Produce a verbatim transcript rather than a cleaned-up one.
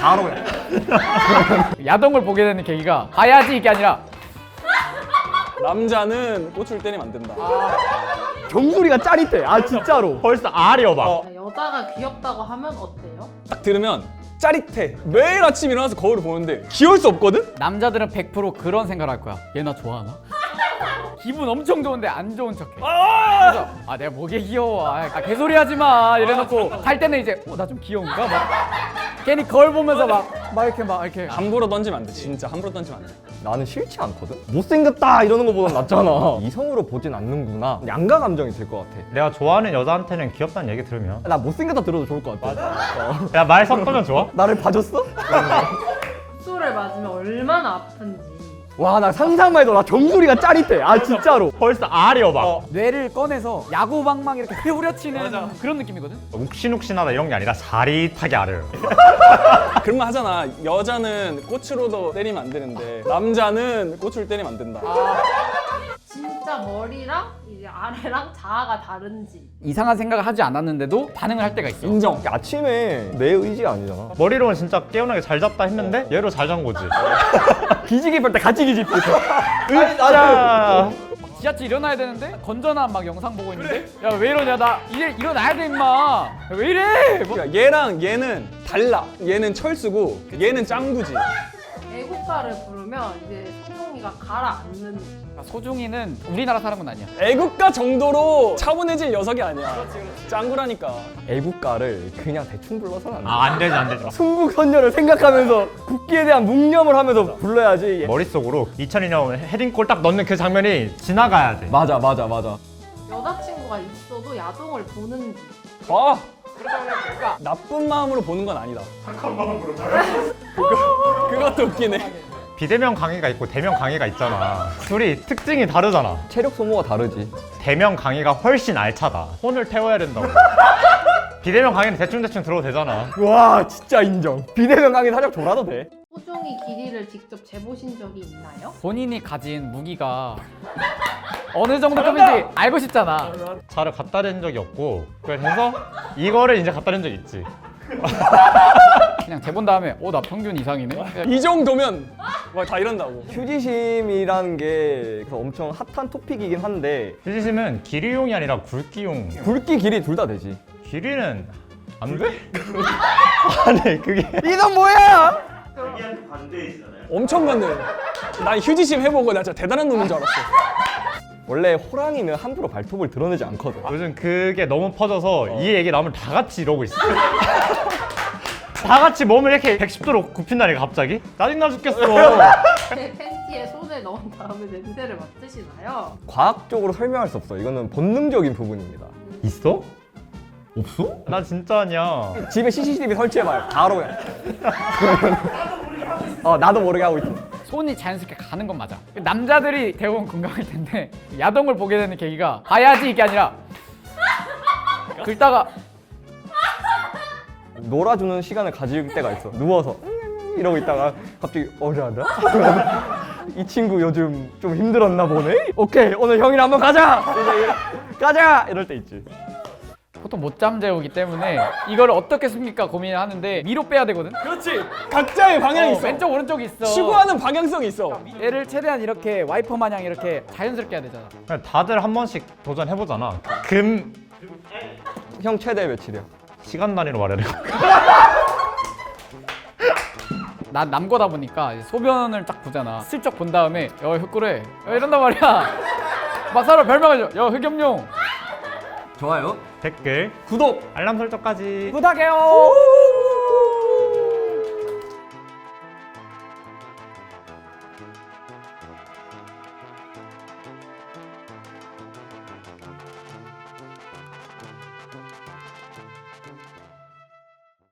바로 그냥. 야동을 보게 되는 계기가 봐야지 이게 아니라 남자는 꽃을 때리면 안 된다. 정수리가 짜릿해. 아 진짜로. 벌써 알이어 봐. 어. 여자가 귀엽다고 하면 어때요? 딱 들으면 짜릿해. 매일 아침 일어나서 거울을 보는데 귀여울 수 없거든? 남자들은 백 퍼센트 그런 생각을 할 거야. 얘 나 좋아하나? 기분 엄청 좋은데 안 좋은 척해. 아! 그래서 아 내가 뭐게 귀여워. 아 개소리 하지 마. 이래놓고 갈 때는 이제 어, 나 좀 귀여운가? 막 괜히 거울 보면서 막, 막 이렇게 막 이렇게 함부로 던지면 안 돼. 진짜 함부로 던지면 안 돼. 나는 싫지 않거든. 못생겼다 이러는 거보단 낫잖아. 이성으로 보진 않는구나. 양가 감정이 들 것 같아. 내가 좋아하는 여자한테는 귀엽다는 얘기 들으면 나 못생겼다 들어도 좋을 것 같아. 어. 야 말 섞으면 좋아? 나를 봐줬어? 수를 맞으면 얼마나 아픈지. 와 나 상상만 해도 나 정수리가 짜릿해. 아 진짜로. 벌써 알이어 봐. 어. 뇌를 꺼내서 야구방망이 이렇게 회오려치는 그런 느낌이거든. 욱신욱신하다 이런 게 아니라 자릿하게 알아요. 그런 말 하잖아. 여자는 꽃으로도 때리면 안 되는데 남자는 꽃을 때리면 안 된다. 진짜 머리랑 이제 아래랑 자아가 다른지. 이상한 생각을 하지 않았는데도 반응을 할 때가 있어. 인정. 아침에 내 의지가 아니잖아. 머리로는 진짜 깨어나게 잘 잤다 했는데 얘로 잘 잔 거지. 기지개 펼 때 같이 기지개 펼 때. 자, 지하철 일어나야 되는데 건전한 막 영상 보고 있는데 야 왜 이러냐 나 이제 일어나야 돼 임마. 야, 왜 이래? 뭐. 그러니까 얘랑 얘는 달라. 얘는 철수고 얘는 짱구지. 애국가를 부르면 이제 소동이가 가라앉는. 소중이는 우리나라 사람은 아니야. 애국가 정도로 차분해질 녀석이 아니야. 짱구라니까. 애국가를 그냥 대충 불러서는 안 돼. 아, 안 되지 안 되지. 순국선열을 생각하면서 국기에 대한 묵념을 하면서 불러야지. 머릿속으로 이천이 년 헤딩골 딱 넣는 그 장면이 지나가야 돼. 맞아 맞아 맞아. 여자친구가 있어도 야동을 보는지. 봐. 나쁜 마음으로 보는 건 아니다. 착한 마음으로 그거, 그것도 웃기네. 비대면 강의가 있고 대면 강의가 있잖아. 둘이 특징이 다르잖아. 체력 소모가 다르지. 대면 강의가 훨씬 알차다. 혼을 태워야 된다고. 비대면 강의는 대충대충 들어도 되잖아. 와 진짜 인정. 비대면 강의 살짝 졸아도 돼. 소중이 길이를 직접 재보신 적이 있나요? 본인이 가진 무기가 어느 정도 급인지 알고 싶잖아. 차를 갖다 댄 적이 없고 그래서 이거를 이제 갖다 댄 적이 있지. 그냥 재본 다음에 어 나 평균 이상이네. 이 정도면 막 다 이런다고. 휴지심이라는 게 그래서 엄청 핫한 토픽이긴 한데 휴지심은 길이용이 아니라 굵기용. 굵기 길이 둘 다 되지. 길이는 안 돼? 아니 그게 이건 뭐야? 엄청 많네. 난 휴지심 해보고 나 진짜 대단한 놈인 줄 알았어. 원래 호랑이는 함부로 발톱을 드러내지 않거든. 요즘 그게 너무 퍼져서 이 얘기 나오면 다 같이 이러고 있어. 다 같이 몸을 이렇게 백십 도로 굽힌다니까 갑자기? 짜증나 죽겠어. 제 팬티에 손을 넣은 다음에 냄새를 맡으시나요? 과학적으로 설명할 수 없어. 이거는 본능적인 부분입니다. 있어? 없어? 나 진짜 아니야. 집에 씨씨티비 설치해봐요. 바로 그냥. 어 나도 모르게 하고 있어. 손이 자연스럽게 가는 건 맞아. 남자들이 대부분 공감할 텐데 야동을 보게 되는 계기가 봐야지 이게 아니라 긁다가 놀아주는 시간을 가질 때가 있어. 누워서 이러고 있다가 갑자기 어려하다. 이 친구 요즘 좀 힘들었나 보네. 오케이 오늘 형이랑 한번 가자. 이제 가자 이럴 때 있지. 보통 못잠 재우기 때문에 이걸 어떻게 숨길까 고민을 하는데 위로 빼야 되거든. 그렇지. 각자의 방향이 어, 있어. 왼쪽 오른쪽이 있어. 추구하는 방향성이 있어. 얘를 최대한 이렇게 와이퍼 마냥 이렇게 자연스럽게 해야 되잖아. 그냥 다들 한 번씩 도전해보잖아. 금 형 최대 며칠이야? 시간 단위로 말해야 돼. 난 남거다 보니까 이제 소변을 딱 보잖아. 슬쩍 본 다음에 야 흑구래 야, 이런단 말이야. 막 서로 별명을 줘. 야 흑염룡 좋아요. 댓글, 구독. 알람 설정까지. 부탁해요.